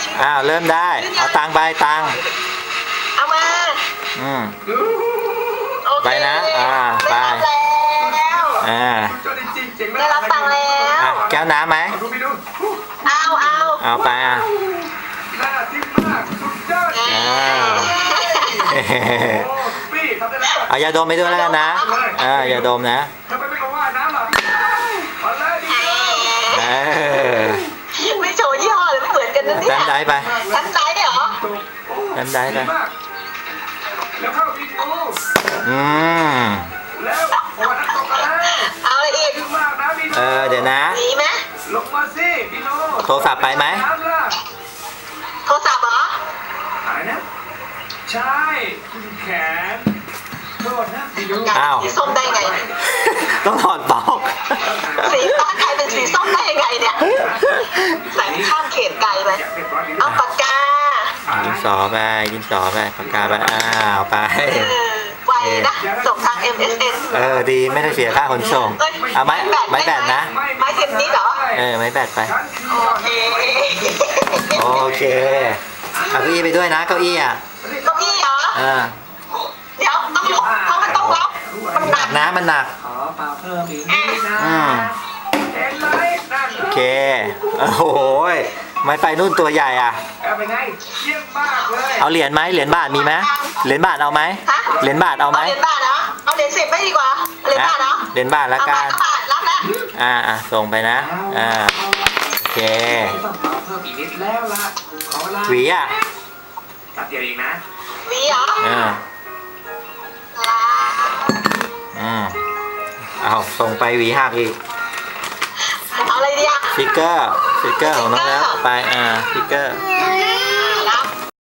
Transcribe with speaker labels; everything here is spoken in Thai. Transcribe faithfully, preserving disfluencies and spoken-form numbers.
Speaker 1: อ้าวเริ่มได้เอาตังไปตัง
Speaker 2: เอามา
Speaker 1: อืม
Speaker 2: โอเค
Speaker 1: ไปนะอ่าไป
Speaker 2: ได้รับแล้ว
Speaker 1: อ่า
Speaker 2: ได้รับตังค์แล้
Speaker 1: อ่ะ
Speaker 2: ว
Speaker 1: แก้วน้ำไหม
Speaker 2: เอาเอา
Speaker 1: เอาไปอ่ะ
Speaker 3: น่าทิมมากสุดยอด
Speaker 1: อ่า
Speaker 3: โอ้พี่ทำได้แล้ว
Speaker 1: เอายาดมไปด้วยแล้วกันนะเออยาดมนะ
Speaker 3: ทำไมไม่มาว่าน้ำล่ะมาเลยดี
Speaker 1: เออ
Speaker 2: ไม่โชว์ยี่ห้อเลยไม่เหมือนกันนะเนี่ย
Speaker 1: ดันได้ไป
Speaker 2: ชั้นไซส์เหรอ
Speaker 1: ดันได้ไป
Speaker 3: มากแล้วเข้าวีดีโอ
Speaker 1: อืม
Speaker 3: แล้วโอ้นักตกกันแล้ว
Speaker 2: เอาอะไรอีก
Speaker 3: ดีมากนะพี่โน
Speaker 1: เออเดี๋ยวนะ
Speaker 2: หนีไหม
Speaker 3: ลงมาสิพี่โน
Speaker 1: โทรศัพท์ไปไหม
Speaker 3: น้ำล่ะ
Speaker 2: โทรศัพท์เหรอ
Speaker 3: หายนะใช่คุณแขนโทษนะพี่โน
Speaker 1: อ้าว
Speaker 2: สีส้มได้ไง
Speaker 1: ต้องถอดปลอก
Speaker 2: สีฟ้าใครเป็นสีส้มได้ยังไงเนี่ยใส่ข้ามเขตไกลไป
Speaker 3: อยากเป็นร้อยนิ้ว
Speaker 2: เอาปากกา
Speaker 1: ดินสอไปดินสอไปปากกาไปอ้าวไป
Speaker 2: เออไวนะส่งทาง เอ็ม เอส เอ็น
Speaker 1: เออดีไม่ได้เสียค่าขนส่งเอาไม้ไม้แบตนะ
Speaker 2: ไม้เทนนิสเหรอ
Speaker 1: เออไม้แบตไป
Speaker 3: ฉันคือ
Speaker 2: โอเค
Speaker 1: โอเคเอาเก้าอี้ไปด้วยนะเก้าอี้อ่ะ
Speaker 2: เก้าอี้เหรอ
Speaker 1: เออ
Speaker 2: เดี๋ยวต้องล็อกเพราะมันต้องล็อกมันห
Speaker 1: ห
Speaker 2: นั
Speaker 1: นั
Speaker 2: ก
Speaker 1: กนะมันหนัก
Speaker 3: ขอเปล่าเพิ่มอีกนิดนะ
Speaker 1: อืม
Speaker 3: เห็นไหมนั่น
Speaker 1: โอเคโอ้โหไม้ไปนู่นตัวใหญ่อ่ะ
Speaker 3: เอาไปไงเยี่ยมมากเลย
Speaker 1: เอาเหรียญไหมเหรียญบาทมีไหมเหรียญบาทเอาไหม
Speaker 2: ฮะ
Speaker 1: เหรียญบาทเอาไหม
Speaker 2: เอาเหรียญบาทเหรอเอาเหรียญสิบไม่ดีกว่าเหรียญบาทเหรอ
Speaker 1: เหรียญบาทละกัน
Speaker 2: เอาบาทรับแล้ว
Speaker 1: อ่าอ่ะส่งไปนะอ่าโอเค
Speaker 3: ต้องเปล่าเพิ่มอีกนิดแล้วล่ะขอเวลา
Speaker 1: หวีอ่ะ
Speaker 3: แป๊บเดียวเองนะ
Speaker 2: หวีเหรอ
Speaker 1: อ่า
Speaker 2: ลา
Speaker 1: อืมเอาส่งไปหวีหักอีก
Speaker 2: เอาอะไรดีอะ
Speaker 1: สติกเกอร์สติกเกอร์ของน้องแล้วไปอ่าสติกเกอร์
Speaker 2: อืม